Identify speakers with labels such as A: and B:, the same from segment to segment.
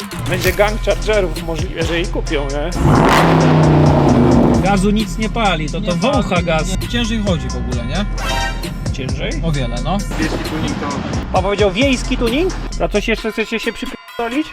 A: Będzie gang chargerów, możliwe, że jej kupią, nie?
B: Gazu nic nie pali, to wącha gaz.
C: Ciężej chodzi w ogóle, nie?
A: Ciężej?
C: O wiele, no.
A: Pan powiedział wiejski tuning? A coś jeszcze chcecie się przypierdolić?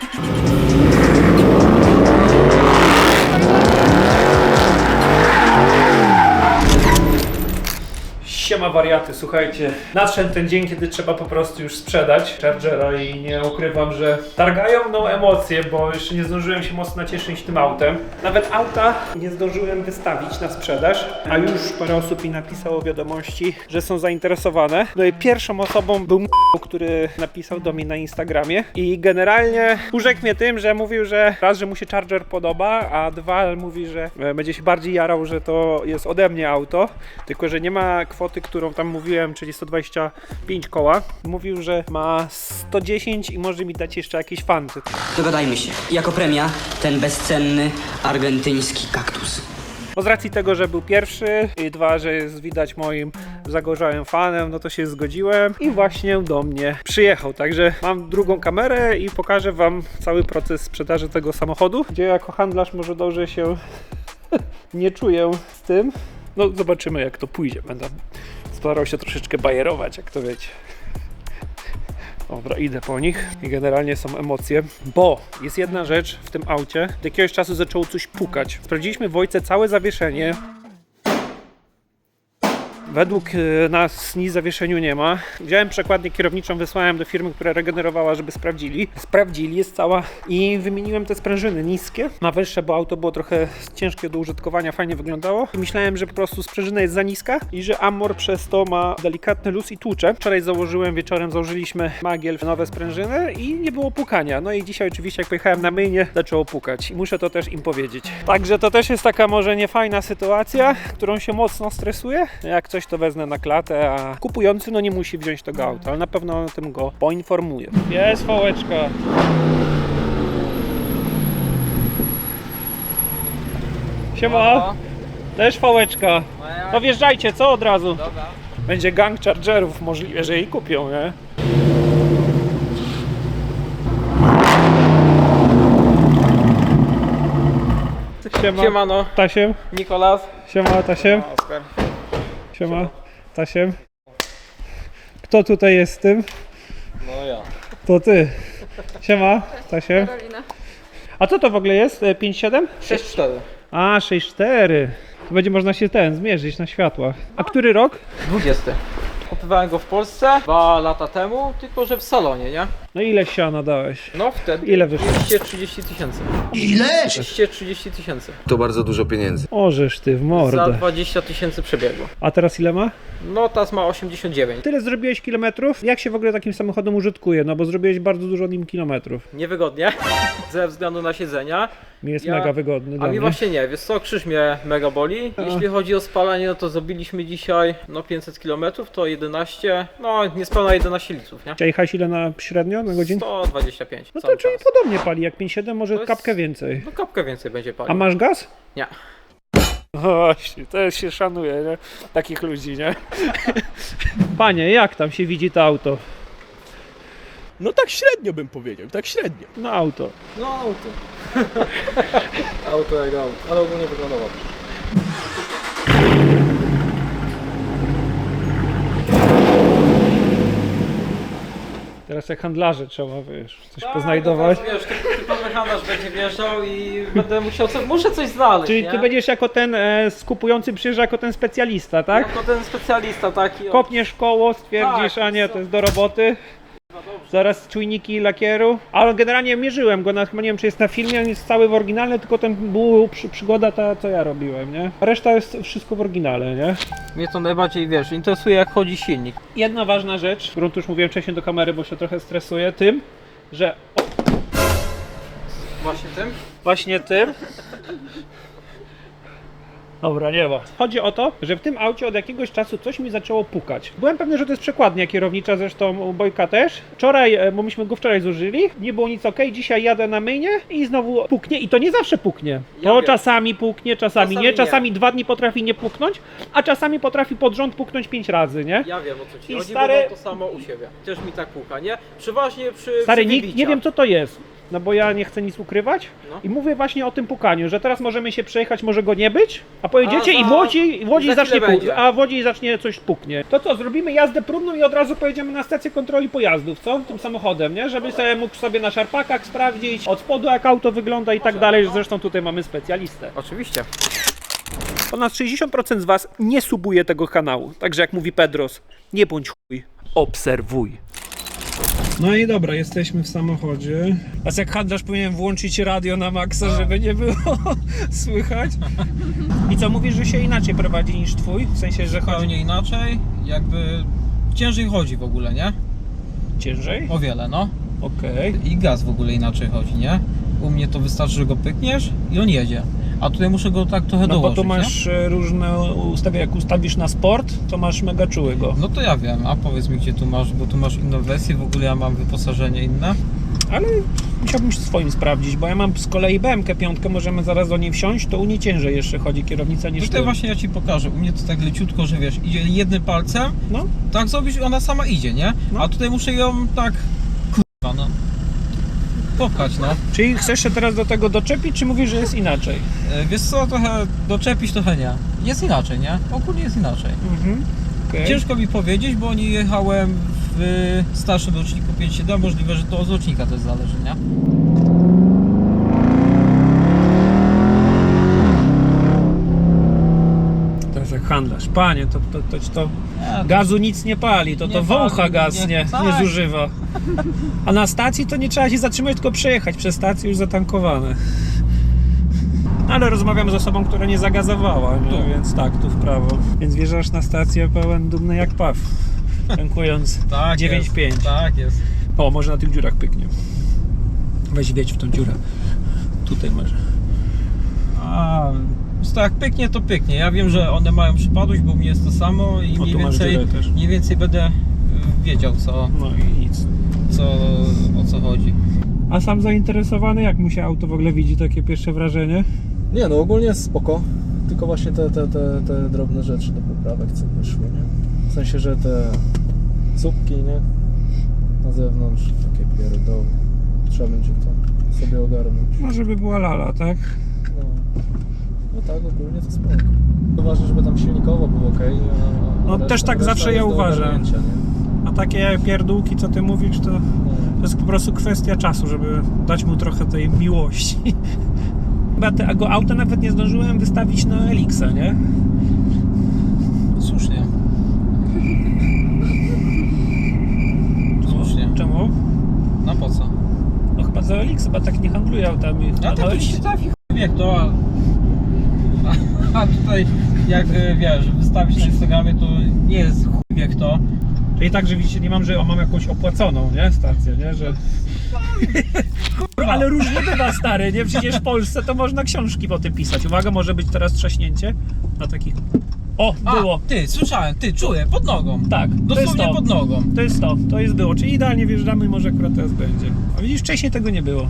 A: Siema wariaty, słuchajcie, nadszedł ten dzień, kiedy trzeba po prostu już sprzedać Chargera i nie ukrywam, że targają mną emocje, bo jeszcze nie zdążyłem się mocno nacieszyć tym autem. Nawet auta nie zdążyłem wystawić na sprzedaż, a już parę osób mi napisało wiadomości, że są zainteresowane. No i pierwszą osobą był który napisał do mnie na Instagramie i generalnie urzekł mnie tym, że mówił, że raz, że mu się Charger podoba, a dwa, mówi, że będzie się bardziej jarał, że to jest ode mnie auto, tylko że nie ma kwoty, którą tam mówiłem, czyli 125 koła. Mówił, że ma 110 i może mi dać jeszcze jakieś fanty.
D: Dogadajmy się. Jako premia ten bezcenny argentyński kaktus.
A: No z racji tego, że był pierwszy i dwa, że jest widać moim zagorzałym fanem, no to się zgodziłem i właśnie do mnie przyjechał. Także mam drugą kamerę i pokażę wam cały proces sprzedaży tego samochodu, gdzie jako handlarz może dobrze się nie czuję z tym. No zobaczymy jak to pójdzie. Będę starał się troszeczkę bajerować, jak to wiecie. Dobra, idę po nich i generalnie są emocje, bo jest jedna rzecz w tym aucie. Od jakiegoś czasu zaczęło coś pukać. Sprawdziliśmy w Wojce całe zawieszenie. Według nas nic w zawieszeniu nie ma. Wziąłem przekładnię kierowniczą, wysłałem do firmy, która regenerowała, żeby sprawdzili. Sprawdzili, jest cała i wymieniłem te sprężyny niskie na wyższe, bo auto było trochę ciężkie do użytkowania, fajnie wyglądało. I myślałem, że po prostu sprężyna jest za niska i że Amor przez to ma delikatny luz i tłucze. Wczoraj założyłem, wieczorem założyliśmy Magiel nowe sprężyny i nie było pukania. No i dzisiaj oczywiście jak pojechałem na myjnię, zaczęło pukać i muszę to też im powiedzieć. Także to też jest taka może niefajna sytuacja, którą się mocno stresuję. Jak coś to wezmę na klatę, a kupujący no nie musi wziąć tego auta, ale na pewno o tym go poinformuję. Jest fałeczka. Siema. Też fałeczka. To wjeżdżajcie, co od razu?
C: Dobra.
A: Będzie gang chargerów, możliwe, że jej kupią, nie? Siema.
C: Siemano,
A: Tasiem.
C: Nikolas.
A: Siema, Tasiem.
C: Oskar.
A: Siema, Tasiem. Kto tutaj jest z tym?
C: No ja.
A: To ty. Siema, Tasiem.
E: Karolina.
A: A co to w ogóle jest? 5.7?
C: 6-4.
A: A, 6.4. To będzie można się zmierzyć na światłach. A który rok?
C: 20. Kupowałem go w Polsce 2 lata temu, tylko że w salonie, nie?
A: No ile siana dałeś?
C: No wtedy.
A: Ile wyszło?
C: 230 tysięcy.
D: Ile?
C: 230 tysięcy.
F: To bardzo dużo pieniędzy.
A: Ożesz ty w
C: Za
A: mordę.
C: 20 tysięcy przebiegło.
A: A teraz ile ma?
C: No teraz ma 89.
A: Tyle zrobiłeś kilometrów? Jak się w ogóle takim samochodem użytkuje? No bo zrobiłeś bardzo dużo nim kilometrów.
C: Niewygodnie, ze względu na siedzenia.
A: Mi jest
C: Ja-
A: mega wygodny
C: A
A: dla
C: mi
A: mnie.
C: właśnie nie, wiesz co, krzyż mnie mega boli. Jeśli chodzi o spalanie, no to zrobiliśmy dzisiaj 500 km, to 11, no niespełna 11 litrów, nie?
A: A jechałeś ile na średnio na godzinę?
C: 125
A: No to
C: cały
A: czyli
C: czas.
A: podobnie pali jak 5.7, może
C: To jest-
A: kapkę więcej.
C: No kapkę więcej będzie palił.
A: A masz gaz?
C: Nie.
A: Właśnie, to się szanuje, nie? Takich ludzi, nie? Panie, jak tam się widzi to auto?
G: No tak średnio bym powiedział, tak średnio.
A: No auto.
C: No auto. Auto jak auto, ale ogólnie wygląda dobrze.
A: Teraz jak handlarze trzeba, wiesz, coś
C: Tak,
A: poznajdować.
C: No teraz, wiesz, typowy handlarz będzie wjeżdżał i będę musiał, muszę coś znaleźć,
A: Czyli
C: nie?
A: ty będziesz jako ten skupujący przyjeżdża jako ten specjalista, tak?
C: Jako ten specjalista taki.
A: Kopniesz koło, stwierdzisz,
C: Tak,
A: a nie,
C: co?
A: to jest do roboty. Zaraz czujniki lakieru. Ale generalnie mierzyłem go, chyba nie wiem czy jest na filmie, on jest cały w oryginale, tylko ten był przygoda ta co ja robiłem, nie? Reszta jest wszystko w oryginale, nie?
C: Mnie to najbardziej, wiesz, interesuje jak chodzi silnik.
A: Jedna ważna rzecz, którą tu już mówiłem wcześniej do kamery, bo się trochę stresuję, tym, że
C: Właśnie tym?
A: Dobra, nie ma. Chodzi o to, że w tym aucie od jakiegoś czasu coś mi zaczęło pukać. Byłem pewny, że to jest przekładnia kierownicza, zresztą u Bojka też. Wczoraj, bo myśmy go wczoraj zużyli, nie było nic ok, dzisiaj jadę na myjnię i znowu puknie i to nie zawsze puknie. To
C: wiem.
A: czasami puknie, czasami nie,
C: Czasami nie.
A: czasami 2 dni potrafi nie puknąć, a czasami potrafi pod rząd puknąć 5 razy, nie?
C: Ja wiem o co ci
A: I
C: chodzi,
A: stary-
C: bo mam to samo u siebie. Też mi tak puka, nie? Przeważnie przy
A: Stary,
C: przy
A: nie
C: wybiciach.
A: wiem co to jest. no bo ja nie chcę nic ukrywać
C: No.
A: i mówię właśnie o tym pukaniu, że teraz możemy się przejechać, może go nie być, a pojedziecie
C: A
A: i w Łodzi
C: za
A: zacznie
C: chwilę będzie.
A: a w Łodzi zacznie coś puknie. To co, zrobimy jazdę próbną i od razu pojedziemy na stację kontroli pojazdów, co? Tym samochodem, nie? Żeby sobie mógł sobie na szarpakach sprawdzić od spodu jak auto wygląda i tak dalej, zresztą tutaj mamy specjalistę.
C: Oczywiście.
A: Ponad 60% z Was nie subuje tego kanału, także jak mówi Pedros, nie bądź chuj, obserwuj. No i dobra, jesteśmy w samochodzie. A jak handlarz powinien włączyć radio na maksa, żeby nie było słychać. I co, mówisz, że się inaczej prowadzi niż twój? W sensie, że chodzi
C: Zupełnie inaczej, jakby ciężej chodzi w ogóle, nie?
A: ciężej?
C: O wiele, no.
A: Okej.
C: I gaz w ogóle inaczej chodzi, nie? U mnie to wystarczy, że go pykniesz i on jedzie. A tutaj muszę go tak trochę
A: No bo
C: dołożyć,
A: tu masz różne ustawienia, jak ustawisz na sport, to masz mega czułego.
C: nie? No to ja wiem, a powiedz mi gdzie tu masz, bo tu masz inną wersję, w ogóle ja mam wyposażenie inne.
A: Ale musiałbym swoim sprawdzić, bo ja mam z kolei BMK 5, możemy zaraz do niej wsiąść, to u niej ciężej jeszcze chodzi kierownica niż
C: Tutaj
A: ty.
C: właśnie ja ci pokażę, u mnie to tak leciutko, że wiesz, idzie jednym palcem,
A: No,
C: tak zrobisz i ona sama idzie, nie?
A: No.
C: A tutaj muszę ją tak, kurwa no, popchać, no.
A: czyli chcesz się teraz do tego doczepić, czy mówisz, że jest inaczej?
C: Wiesz co, trochę doczepić, trochę nie. Jest inaczej, nie? Ogólnie jest inaczej.
A: Mhm. Okay.
C: Ciężko mi powiedzieć, bo nie jechałem w starszym roczniku 5.7, możliwe, że to od rocznika też zależy, nie?
A: To jest jak handlarz. Panie, to
C: Nie,
A: gazu nic nie pali, to
C: Nie
A: wącha
C: pali,
A: gaz,
C: nie-
A: nie
C: tak.
A: zużywa. A na stacji to nie trzeba się zatrzymać, tylko przejechać przez stację już zatankowane. Ale rozmawiam z osobą, która nie zagazowała, nie?
C: Tu.
A: Więc tak, tu w prawo. Więc wjeżdżasz na stację pełen dumny jak paw, tankując
C: tak
A: 9,5.
C: jest, tak jest.
A: O, może na tych dziurach pyknie. Weź wiedź w tą dziurę. Tutaj może.
C: A, to jak pyknie, to pyknie. Ja wiem, że one mają przypadłość, bo u mnie jest to samo i
A: O, tu masz dziurę też.
C: mniej więcej będę wiedział
A: No i nic.
C: o co chodzi.
A: A sam zainteresowany, jak mu się auto w ogóle widzi, takie pierwsze wrażenie?
G: Nie no, ogólnie jest spoko. Tylko właśnie te drobne rzeczy do poprawek, co wyszły, nie? W sensie, że te słupki, nie? Na zewnątrz, takie pierdoły. Trzeba będzie to sobie ogarnąć.
A: No, żeby była lala, tak?
G: No, no tak, ogólnie to spoko. Ważne, żeby tam silnikowo było ok.
A: No, też tak zawsze ja uważam.
G: Nie?
A: A takie pierdółki, co ty mówisz, to jest po prostu kwestia czasu, żeby dać mu trochę tej miłości. Chyba tego auta nawet nie zdążyłem wystawić na Elixa, nie?
C: Słusznie. Słusznie.
A: Czemu?
C: No po co?
A: No chyba za Elix chyba tak nie handluje autami.
C: A
A: No,
C: tak to się trafi chuj wie kto, a tutaj jak wiesz, wystawić na Instagramie to nie jest chuj wie kto.
A: Czyli tak, że widzicie, nie mam, że mam jakąś opłaconą, nie? Stację, nie? Że... Kurwa, ale różnie bywa, stary, nie? Przecież w Polsce to można książki po tym pisać. Uwaga, może być teraz trzaśnięcie na takich... O, było!
C: Ty, słyszałem, ty, czuję, pod nogą.
A: Tak, to jest
C: Dosłownie
A: to.
C: pod nogą.
A: To jest było. Czyli idealnie wjeżdżamy i może akurat teraz będzie. A widzisz, wcześniej tego nie było.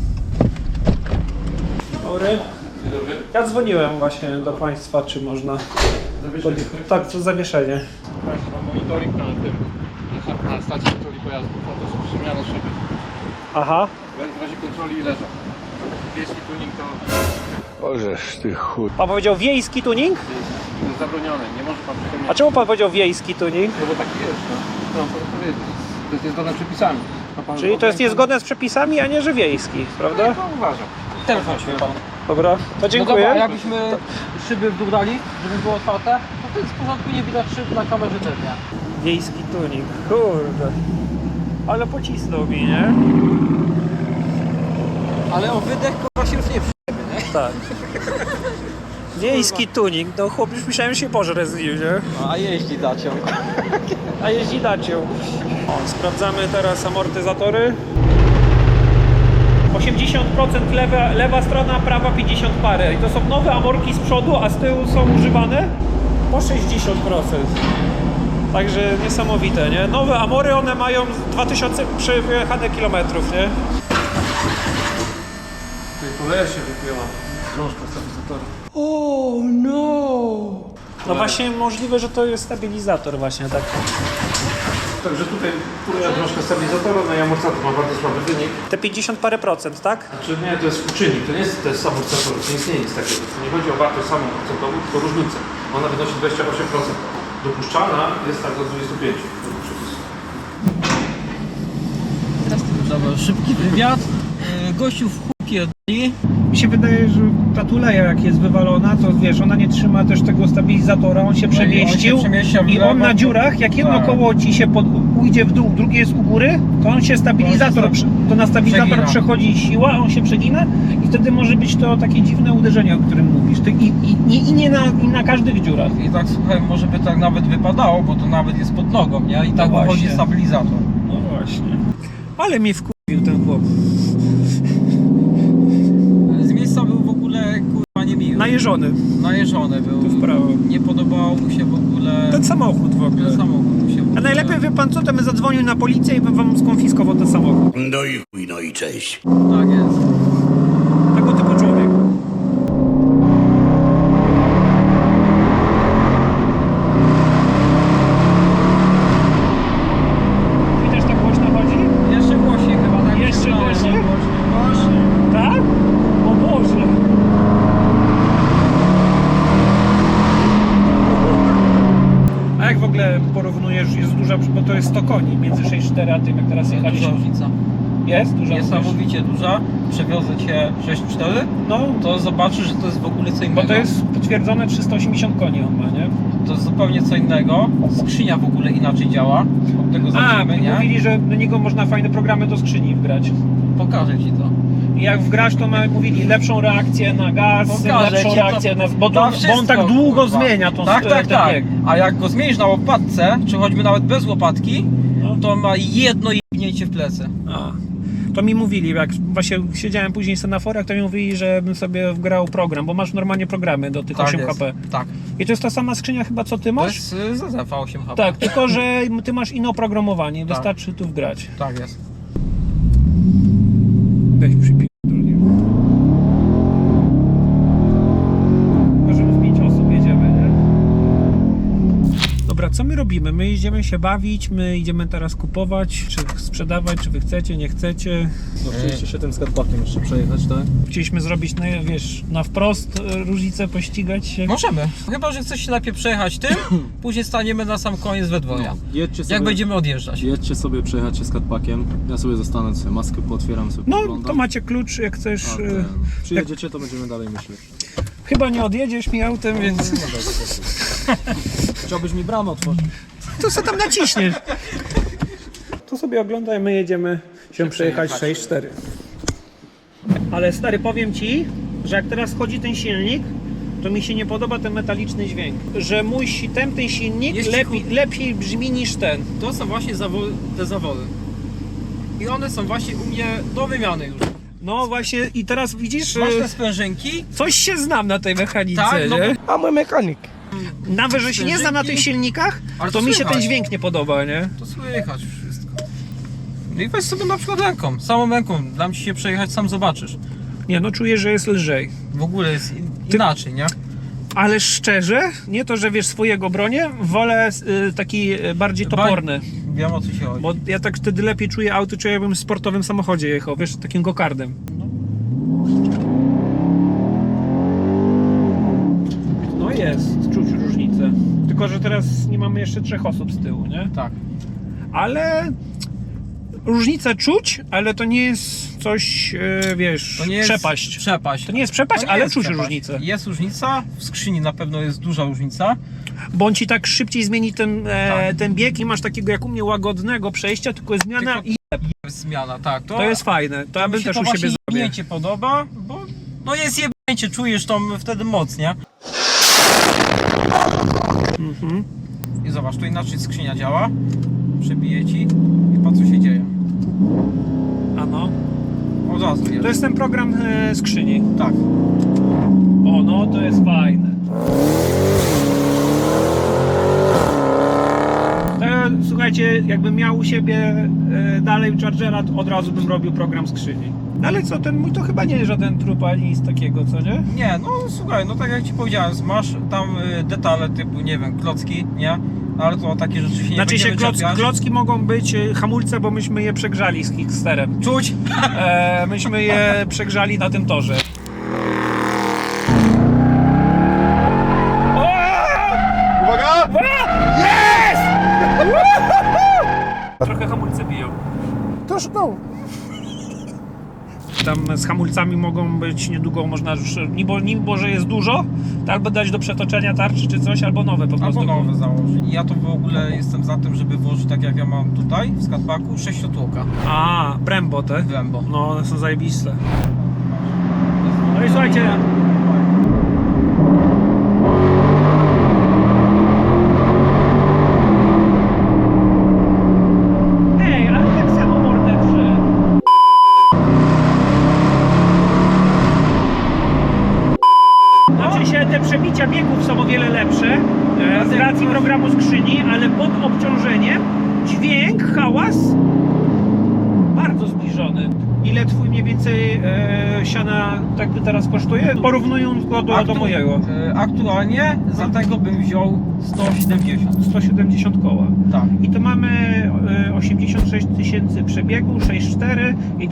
A: Dobry. Ja dzwoniłem właśnie do Państwa, czy można... Tak, to zawieszenie.
E: Państwa monitoring na tym, na stacji kontroli pojazdów, a to jest przemiana szyby.
A: Aha.
E: W razie kontroli leżą. Wiejski tuning to
F: Ożeż ty chuj.
A: Pan powiedział wiejski tuning?
E: jest zabronione, nie może pan przypomnieć.
A: A czemu Pan powiedział wiejski tuning?
E: No bo taki jest, no. No, pan powiedzieć. To jest niezgodne z przepisami. Ma pan
A: Czyli to jest niezgodne z przepisami, a nie, że wiejski, prawda?
E: No, uważam.
C: Telefon się pan.
A: Dobra, to dziękuję.
C: No dobra, jakbyśmy szyby w dół dali, żeby było otwarte, to jest w porządku, nie widać szyb na kamerze też, nie?
A: Wiejski tuning, kurde. Ale pocisnął mi, nie?
C: Ale o wydech kurwa się już nie przyjemy, nie?
A: Tak. Wiejski tuning, no chłop już myślałem, że się pożre z nim, nie?
C: No, a jeździ dacią.
A: A jeździ dacią. O, sprawdzamy teraz amortyzatory. 80% lewa strona, prawa 50 parę. I to są nowe amorki z przodu, a z tyłu są używane po 60%. Także niesamowite, nie? Nowe amory, one mają 2000 przejechane kilometrów, nie?
E: Tutaj koleja się wypięła. Drążka stabilizatora.
A: No właśnie możliwe, że to jest stabilizator właśnie tak. także tutaj troszkę stabilizatora, no i amortyzator ma bardzo słaby wynik. Te 50 parę procent, tak? Znaczy nie, to jest współczynnik, to nie jest amortyzator, to nie istnieje nic takiego. To nie chodzi o wartość samą procentową, tylko różnicę. Ona wynosi 28%. Dopuszczalna jest tak do 25.
B: Dobra, szybki wywiad. Gościu w chuj pierdoli.
A: Mi się wydaje, że ta tuleja jak jest wywalona, to wiesz, ona nie trzyma też tego stabilizatora, on się przemieścił i on na dziurach, jak jedno koło ci się ujdzie w dół, drugie jest u góry, to on się stabilizator, to na stabilizator
B: przegina.
A: przechodzi siła, on się przegina i wtedy może być to takie dziwne uderzenie, o którym mówisz. I nie na każdych dziurach.
B: I tak słuchaj, może by tak nawet wypadało, bo to nawet jest pod nogą, nie? I
A: No
B: tak wychodzi
A: właśnie.
B: stabilizator.
A: No właśnie. Ale mnie wkurwił ten chłop.
B: Z miejsca był w ogóle kurwa niemiły.
A: Najeżony.
B: Najeżony był.
A: Tu w prawo.
B: Nie podobało mu się w ogóle
A: Ten samochód w ogóle.
B: ten samochód mu się w ogóle.
A: A najlepiej wie pan co, to my zadzwonił na policję i bym wam skonfiskował ten samochód.
F: No i chuj, no i cześć.
B: Tak jest.
A: Tego typu człowiek. I też tak głośno chodzi?
B: Jeszcze głośniej chyba, tak?
A: Jeszcze
B: myślałem.
A: głośniej?
B: Głośniej.
A: Tak? O Boże! A jak w ogóle porównujesz, jest duża, bo to jest 100 koni między 6.4 a tym jak teraz
B: Duża
A: jechaliśmy?
B: różnica.
A: Jest? Duża
B: Niesamowicie duża. Przewiozę cię 6.4,
A: No,
B: to zobaczysz, że to jest w ogóle co innego.
A: bo to jest potwierdzone 380 koni on ma, nie?
B: To jest zupełnie co innego. Skrzynia w ogóle inaczej działa. Od tego
A: A,
B: zaczniemy, nie?
A: mówili, że do niego można fajne programy do skrzyni wgrać.
B: Pokażę ci to.
A: I jak wgrasz, to mówili lepszą reakcję na gaz,
B: Pokażę
A: lepszą
B: ci to
A: reakcję na... Bo,
B: na
A: bo on
B: wszystko,
A: tak długo
B: kurwa.
A: zmienia tą
B: Tak, tak,
A: ten
B: tak.
A: bieg.
B: A jak go zmienisz na łopatce, czy choćby nawet bez łopatki,
A: No.
B: to ma jedno jebnięcie w plecy.
A: A. To mi mówili, jak właśnie siedziałem później sobie na forach, to mi mówili, żebym sobie wgrał program, bo masz normalnie programy do tych 8
B: jest.
A: HP.
B: Tak.
A: I to jest ta sama skrzynia chyba co ty
B: To
A: masz?
B: jest ZZF 8 HP.
A: Tak, tylko że ty masz inne oprogramowanie,
B: Tak.
A: wystarczy tu wgrać.
B: Tak jest.
A: Weź przypierdolnie. Tylko, że w 5 osób jedziemy, nie? Dobra, co my robimy? My idziemy się bawić, my idziemy teraz kupować, czy sprzedawać, czy wy chcecie, nie chcecie.
G: No chcieliście się tym skatpakiem jeszcze przejechać, tak?
A: Chcieliśmy zrobić, no, wiesz, na wprost różnicę, pościgać się.
B: Możemy. Chyba, że chcesz się najpierw przejechać tym, później staniemy na sam koniec we dwoje.
G: Jedźcie sobie,
B: Jak będziemy odjeżdżać.
G: jedźcie sobie przejechać się skatpakiem. Ja sobie zostanę, sobie maskę pootwieram, sobie
A: No,
G: poglądam.
A: to macie klucz, jak chcesz.
G: A przyjedziecie, to będziemy dalej myśleć.
A: Chyba nie odjedziesz mi autem, więc
G: Chciałbyś mi bramę otworzyć?
A: to co tam naciśniesz. To sobie oglądaj, my jedziemy się przejechać 6.4. Ale stary, powiem ci, że jak teraz chodzi ten silnik, to mi się nie podoba ten metaliczny dźwięk. Że mój ten silnik
B: Jest
A: lepiej brzmi niż ten.
B: To są właśnie te zawody. I one są właśnie u mnie do wymiany już.
A: No właśnie i teraz widzisz,
B: Masz te sprężynki?
A: coś się znam na tej mechanice,
B: Tak, no
A: nie?
H: A mój mechanik.
A: Nawet, że się nie znam na tych silnikach,
B: Ale
A: to
B: to
A: mi się ten
B: słychać.
A: dźwięk nie podoba, nie?
B: To słychać wszystko. No i weź sobie na przykład ręką, samą ręką, dam ci się przejechać, sam zobaczysz.
A: Nie, no czuję, że jest lżej.
B: W ogóle jest inaczej, nie?
A: Ale szczerze, nie to, że wiesz swojego bronię, wolę taki bardziej toporny.
B: Wiem o co się chodzi.
A: Bo ja tak wtedy lepiej czuję auto, czuję jakbym w sportowym samochodzie jechał, wiesz, takim gokardem. No jest, czuć różnicę. Tylko, że teraz nie mamy jeszcze 3 osób z tyłu, nie?
B: Tak.
A: Ale różnicę czuć, ale to nie jest coś, wiesz,
B: To nie jest
A: przepaść.
B: Przepaść.
A: To nie jest przepaść,
B: To nie
A: ale
B: jest
A: czuć
B: przepaść.
A: różnicę.
B: Jest różnica, w skrzyni na pewno jest duża różnica.
A: Bo on ci tak szybciej zmieni ten,
B: Tak.
A: ten bieg i masz takiego jak u mnie łagodnego przejścia, tylko jest zmiana
B: Tylko-
A: i
B: Jest zmiana, tak.
A: to jest fajne. To ja
B: mi
A: bym
B: się
A: też
B: to
A: u siebie
B: właśnie
A: zrobił.
B: jebnięcie podoba, bo no jest jebnięcie, czujesz tą wtedy moc, nie?
A: Mhm.
B: I zobacz, tu inaczej skrzynia działa. Przebije ci i patrz co się dzieje.
A: A no.
B: Od razu
A: To
B: jest.
A: jest ten program skrzyni.
B: Tak.
A: O no, to jest fajne. To, słuchajcie, jakbym miał u siebie dalej Chargera, to od razu bym robił program skrzyni. No ale co, ten mój to chyba nie jest żaden trup ani nic takiego, co nie?
B: Nie, no słuchaj, no tak jak ci powiedziałem, masz tam detale typu, nie wiem, klocki, nie? Ale to takie rzeczy się nie
A: Znaczy się
B: będziemy czepiać.
A: klocki mogą być hamulce, bo myśmy je przegrzali z Kicksterem.
B: Czuć!
A: Myśmy je przegrzali na tym torze.
E: Uwaga!
A: Trochę hamulce biją.
G: To szkoda.
A: Tam z hamulcami mogą być niedługo, można już, niby że jest dużo, to albo dać do przetoczenia tarczy czy coś, albo nowe po prostu.
B: Albo nowe założyć. Ja to w ogóle jestem za tym, żeby włożyć tak jak ja mam tutaj w skatpaku 6-tłoka
A: A, Brembo te?
B: Brembo.
A: No, one są zajebiste. No i słuchajcie, ej, ale tak samo mordę przy... Znaczy się te przebicia biegów są o wiele lepsze z racji programu skrzyni, ale pod obciążeniem dźwięk, hałas bardzo zbliżony. Ile twój mniej więcej siana tak teraz kosztuje? Porównując go do mojego.
B: Aktualnie za tego bym wziął 170.
A: 170 koła.
B: Tak.
A: I to mamy 86 tysięcy przebiegu, 6,4 i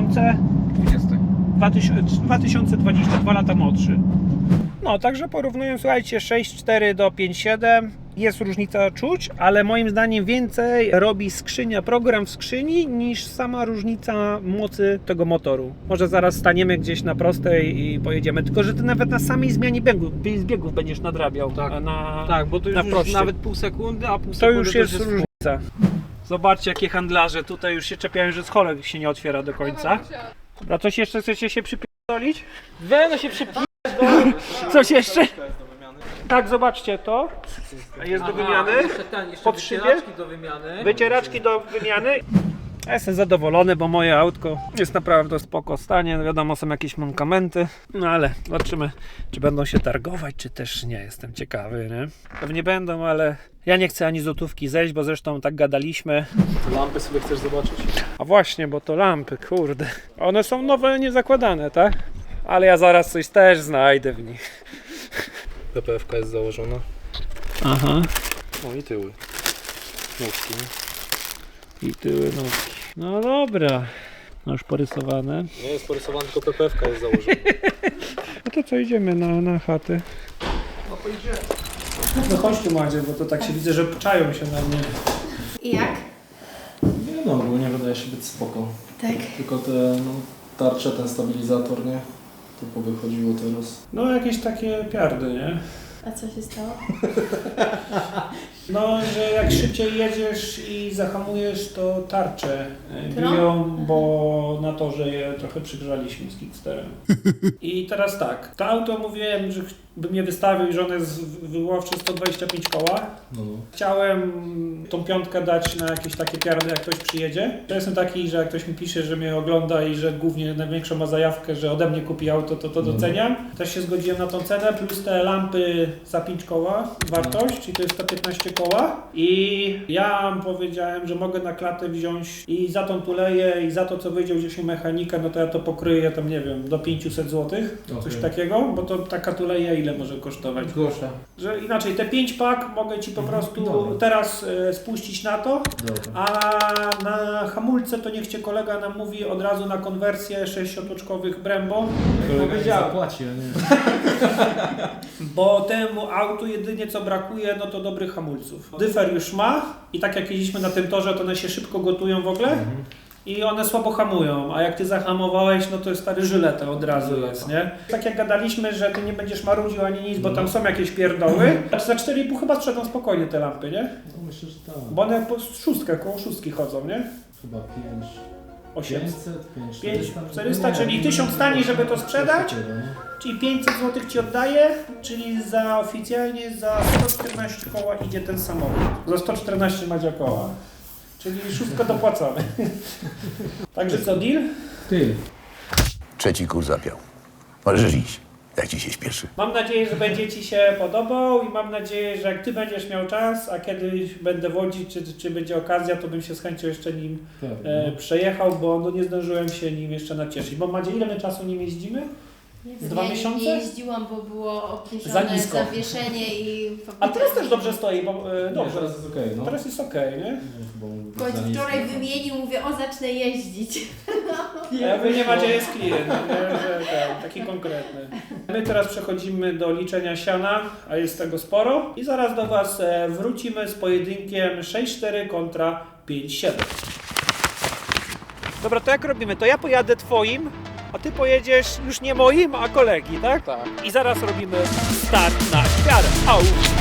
A: 2022 lata młodszy. No, także porównując, słuchajcie, 6,4 do 5,7 jest różnica czuć, ale moim zdaniem więcej robi skrzynia, program w skrzyni niż sama różnica mocy tego motoru. Może zaraz staniemy gdzieś na prostej i pojedziemy, tylko że ty nawet na samej zmianie biegów będziesz nadrabiał.
C: Tak.
A: Na,
C: Tak, bo to
A: na
C: już
A: prostej.
C: nawet pół sekundy, a pół
A: To
C: sekundy
A: już jest różnica. Zobaczcie, jakie handlarze tutaj już się czepiają, że scholek się nie otwiera do końca. A coś jeszcze chcecie się przypierdolić?
C: Weno się przypina.
A: Coś jeszcze? Tak, zobaczcie to. Jest do wymiany.
C: Jeszcze
A: Pod szybie?
C: wycieraczki do wymiany.
A: Wycieraczki do wymiany. Ja jestem zadowolony, bo moje autko jest naprawdę w spoko stanie. Wiadomo, są jakieś mankamenty, no ale zobaczymy, czy będą się targować, czy też nie. Jestem ciekawy, nie? Pewnie będą, ale ja nie chcę ani złotówki zejść, bo zresztą tak gadaliśmy.
G: Lampy sobie chcesz zobaczyć?
A: A właśnie, bo to lampy, kurde. One są nowe, niezakładane, tak? Ale ja zaraz coś też znajdę w nich.
G: PPF-ka jest założona.
A: Aha.
G: No i tyły. Nóżki.
A: I tyły nóżki. No dobra. No już porysowane.
G: Nie jest porysowana, tylko PPF-ka jest założona.
A: No to co, idziemy na chatę? No pojedziemy. No chodź tu, Madzie, bo to tak się widzę, że czają się na mnie.
F: I jak?
G: Nie no, ogólnie wydaje się być spoko.
F: Tak.
G: Tylko te tarcze, ten stabilizator, nie? To powychodziło teraz.
A: No jakieś takie piardy, nie?
F: A co się stało?
A: No, że jak szybciej jedziesz i zahamujesz, to tarcze
F: Którą?
A: biją, bo na torze je trochę przygrzaliśmy z Kicksterem. I teraz tak, to auto mówiłem, że bym je wystawił i że one jest wyłowcze 125 koła.
G: No.
A: Chciałem tą piątkę dać na jakieś takie piardy, jak ktoś przyjedzie. Ja jestem taki, że jak ktoś mi pisze, że mnie ogląda i że głównie największą ma zajawkę, że ode mnie kupi auto, to doceniam. Też się zgodziłem na tą cenę, plus te lampy za 5 koła wartość, czyli to jest 115 koła. I ja powiedziałem, że mogę na klatę wziąć i za tą tuleję i za to, co wyjdzie gdzieś u mechanika, no to ja to pokryję tam, nie wiem, do 500 zł, coś takiego, bo to taka tuleja ile może kosztować?
C: Grosza.
A: Że inaczej, te 5 pak mogę Ci po prostu teraz spuścić na to, a na hamulce to niech Cię kolega nam mówi od razu na konwersję 6-otoczkowych Brembo.
C: Powiedziałem.
G: Zapłaci, a nie.
A: Bo temu autu jedynie co brakuje, no to dobrych hamulców. Dyfer już ma i tak jak jeździliśmy na tym torze, to one się szybko gotują w ogóle. I one słabo hamują, a jak ty zahamowałeś, no to jest stary żyleta od razu jest, nie? Tak jak gadaliśmy, że ty nie będziesz marudził ani nic, bo tam są jakieś pierdoły. A za 4,5 chyba sprzedam spokojnie te lampy, nie?
G: No myślę, że tak.
A: Bo one po szóstkę, koło szóstki chodzą, nie?
G: Chyba 5.
A: 800.
G: 500,
A: 400, czyli 1000 taniej, żeby to sprzedać. Czyli 500 zł Ci oddaję, czyli za oficjalnie za 114 koła idzie ten samochód. Za 114 Madzia koła. Czyli szóstkę dopłacamy. Także co, deal?
G: Ty.
H: Trzeci kurs zapiał. Możesz iść, jak ci się śpieszy.
A: Mam nadzieję, że będzie Ci się podobał i mam nadzieję, że jak Ty będziesz miał czas, a kiedyś będę wodzić, czy będzie okazja, to bym się z chęcią jeszcze nim przejechał, bo no nie zdążyłem się nim jeszcze nacieszyć. Bo Madzie, ile my czasu nim jeździmy?
F: Nie
A: Z 2
F: ja
A: miesiące?
F: Nie jeździłam, bo było
A: Za
F: obniżone
A: nisko.
F: zawieszenie i...
A: A teraz też dobrze stoi, bo dobrze.
G: Teraz jest okej, no.
A: Teraz jest okej, nie?
F: W końcu wczoraj wymienił, mówię, o zacznę jeździć.
A: A wy nie macie, jest klient, nie? Że taki konkretny. My teraz przechodzimy do liczenia siana, a jest tego sporo. I zaraz do Was wrócimy z pojedynkiem 6-4 kontra 5-7. Dobra, to jak robimy? To ja pojadę Twoim, a Ty pojedziesz już nie moim, a kolegi, tak?
C: Tak.
A: I zaraz robimy start na świarę. Au!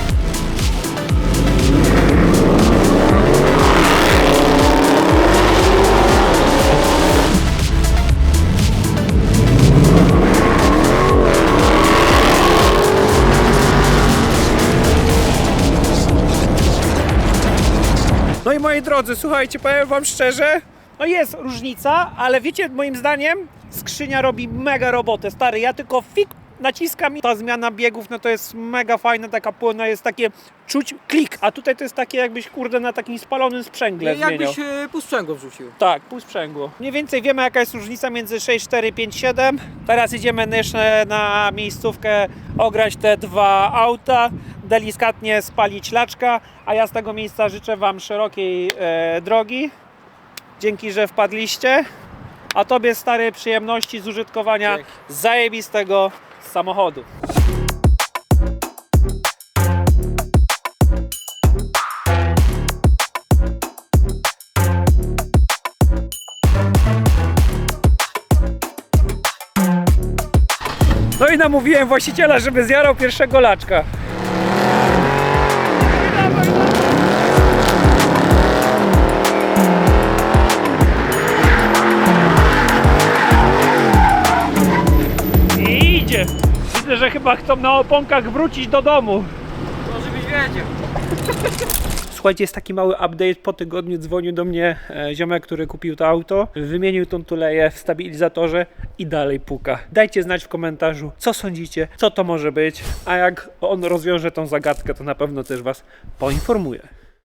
A: No i moi drodzy, słuchajcie, powiem Wam szczerze, no jest różnica, ale wiecie, moim zdaniem skrzynia robi mega robotę, stary, ja tylko naciskam i ta zmiana biegów, no to jest mega fajna, taka płynna, jest takie czuć klik, a tutaj to jest takie jakbyś kurde na takim spalonym sprzęgle zmieniał.
C: Jakbyś pół sprzęgło wrzucił.
A: Tak, pół sprzęgło. Mniej więcej wiemy jaka jest różnica między 6.4 5.7. Teraz idziemy jeszcze na miejscówkę ograć te dwa auta, delikatnie spalić laczka, a ja z tego miejsca życzę Wam szerokiej drogi. Dzięki, że wpadliście. A Tobie stary przyjemności z użytkowania
C: Dzięki.
A: zajebistego samochodu. No i namówiłem właściciela, żeby zjarał pierwszego laczka. I idzie. Widzę, że chyba chcą na oponkach wrócić do domu.
C: Może byś wiedział.
A: Słuchajcie, jest taki mały update. Po tygodniu dzwonił do mnie ziomek, który kupił to auto, wymienił tą tuleję w stabilizatorze i dalej puka. Dajcie znać w komentarzu, co sądzicie, co to może być, a jak on rozwiąże tą zagadkę, to na pewno też Was poinformuję.